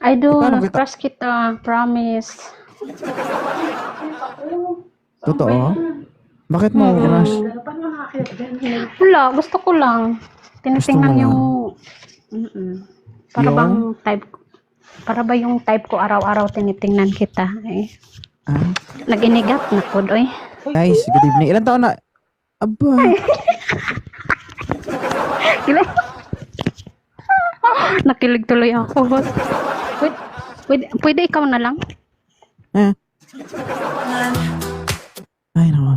Paano Idol, kita? crush kita, promise. Totoo? Bakit mo ako crush? Wala, gusto ko lang. Gusto mo Tinitingnan lang? yung... Mm-mm. Para Yung? bang type ko. Para ba yung type ko araw-araw tinitingnan kita? Eh. Ah? Nag-inigat na po, oy. Guys, good evening. Ilan taon na? Aba. Kila- Nakilig tuloy ako. Pwede ikaw na lang? Eh. Ay, naku.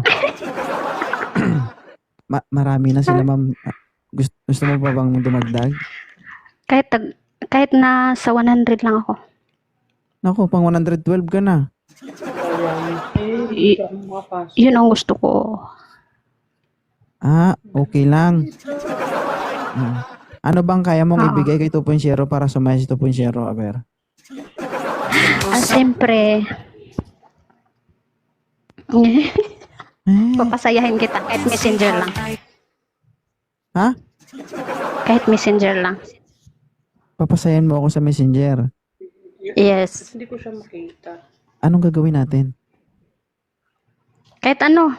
Marami na sila, ma'am. Gusto mo pa bang dumagdag? Kahit na sa 100 lang ako. Naku, pang 112 ka na. Yun ang gusto ko. Ah, okay lang. Ano bang kaya mong ibigay kay 2.0 para sumaya si 2.0, Aber? Siyempre, Eh, papasayahin kita kahit messenger lang. ha? Kahit messenger lang. Papasayan mo ako sa Messenger. Yes. Hindi ko siya makita. Anong gagawin natin? Kahit ano.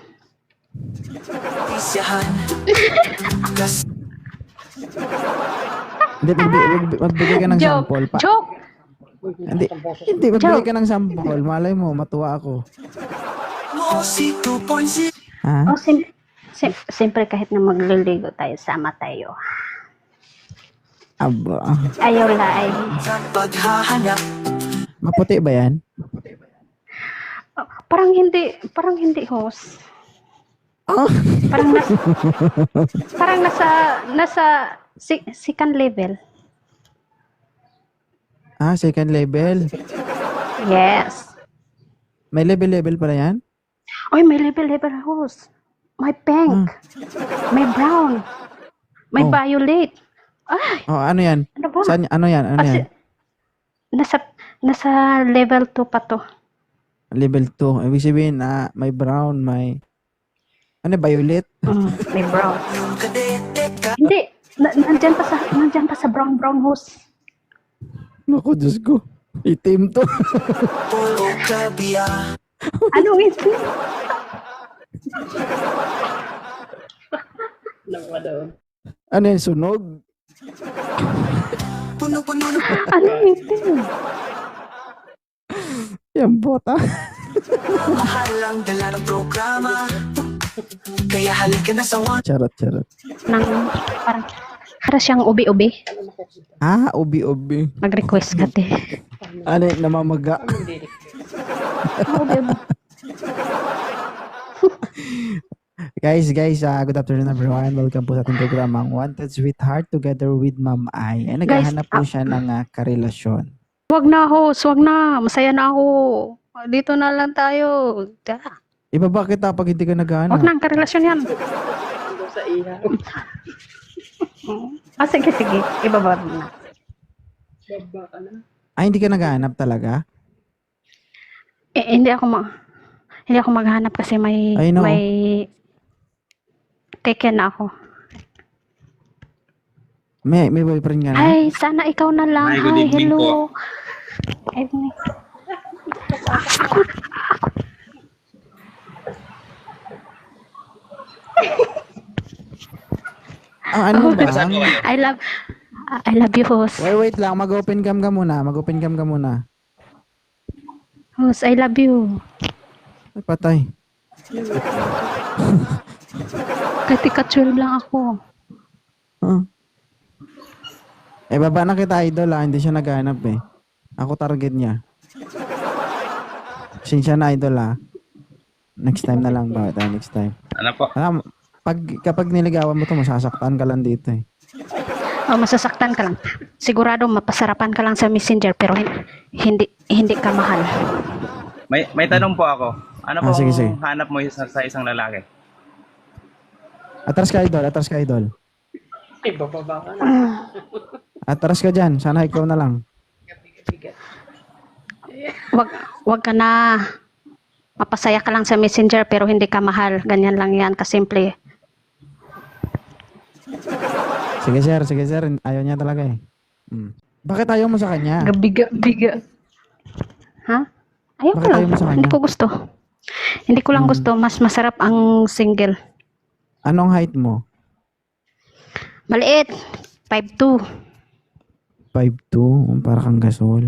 Hindi, magbigay ka ng Joke. sample. Joke. Hindi, magbigay ka ng sample. Malay mo, matuwa ako. Ha? Oh, siyempre kahit na magliligo tayo, sama tayo. Aba. Ayaw la ay. Maputi ba yan? Parang hindi host. Oh. Parang nasa second level. Ah, second level. Yes. May level pala yan? Oy, may level host. May pink. May brown. May Oh. violet. Ay, Oh, ano yan? ano ba? Saan, ano yan? Ano yan? Nasa level 2 pa to. Level 2. Ibig sabihin na may brown, may... Ano, violet? May brown. Hindi. Nandyan pa sa brown host. Naku, Diyos ko. Itim to. Ano ito? Nawa daw. Ano yan, sunog? Ano ito? Yan, bota. Mahalang dala ng programa. Kaya halika na sa one. Charot. Para siyang ubi-ubi. Ah, ubi-ubi. Mag-request ka, te. Ano yung namamaga? Ubi-ubi. Guys, good afternoon everyone. Welcome po sa ating programang Wanted Sweetheart together with Ma'am Ai. Ay, naghahanap po siya ng karelasyon. Wag na, host. Wag na. Masaya na ako. Dito na lang tayo. Ibaba kita pag hindi ka naghahanap. Wag na ang karelasyon yan. Ando sa iha. Sige. Ibaba mo na. Baba ka na. Ay, hindi ka naghahanap talaga? Hindi ako maghanap kasi may I know. may taken na ako. May boyfriend ka na? Ay, sana ikaw na lang. Hi, good Hi, evening hello. po. Evening. Ano ba? Saan po kayo? I love you, host. Wait lang. Mag-open cam ka muna. Host, I love you. Ay, patay. Kahit ika-12 lang ako. Huh? Eh, baba na kita, idol, Hindi siya naghahanap eh. Ako target niya. Sinsya na, idol, Next time na lang ba? Next time. Ano po? Kapag niligawan mo to, masasaktan ka lang dito eh. Masasaktan ka lang. Sigurado mapasarapan ka lang sa messenger pero hindi ka mahal. May tanong po ako. Ano po sige. hanap mo sa isang lalaki? Atras ka, idol. Ay, bababa ka na. Atras ka dyan. Sana ikaw na lang. Bigat. Wag ka na. Mapasaya ka lang sa messenger pero hindi ka mahal. Ganyan lang yan, kasimple. Sige, sir. Ayaw niya talaga eh. Bakit ayaw mo sa kanya? Gabiga-biga. Ha? Ayaw ko Bakit lang. ayaw mo sa Hindi kanya? ko gusto. Hindi ko lang gusto. Mas masarap ang single. Anong height mo? Maliit. 5'2". 5'2"? Para kang gasol.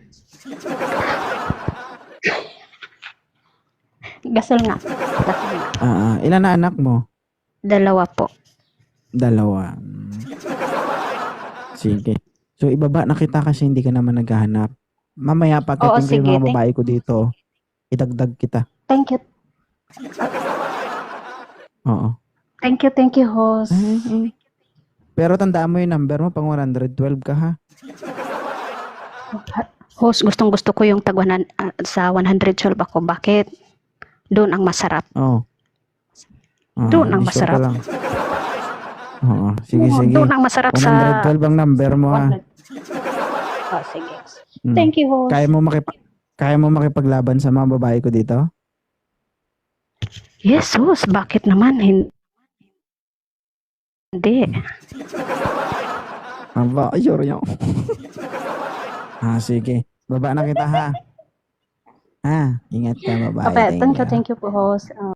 Gasol nga. Gasol nga. Ilan na anak mo? 2 po. 2. Sige. So, ibaba na kita kasi hindi ka naman naghahanap. Mamaya Oo, pagdating ko yung sige. mga babae ko dito, idagdag kita. Thank you. Oo. Thank you, host. Pero tandaan mo yung number mo, pang 112 ka ha. Host, gustong-gusto ko yung sa 112 ako. Bakit? Doon ang masarap. Oo. Doon ang be sure ka masarap. lang. Oo. Sige, Oo, sige. doon ang masarap sa... 112 ang number mo ha. Oh, sige. Mm. Thank you, host. Kaya mo makipaglaban sa mga babae ko dito? Yes, host. Bakit naman? Hindi. Aba, sure yun. Sige. Baba na kita ha. Ingat ka, babae. Okay, thank you. you po, host.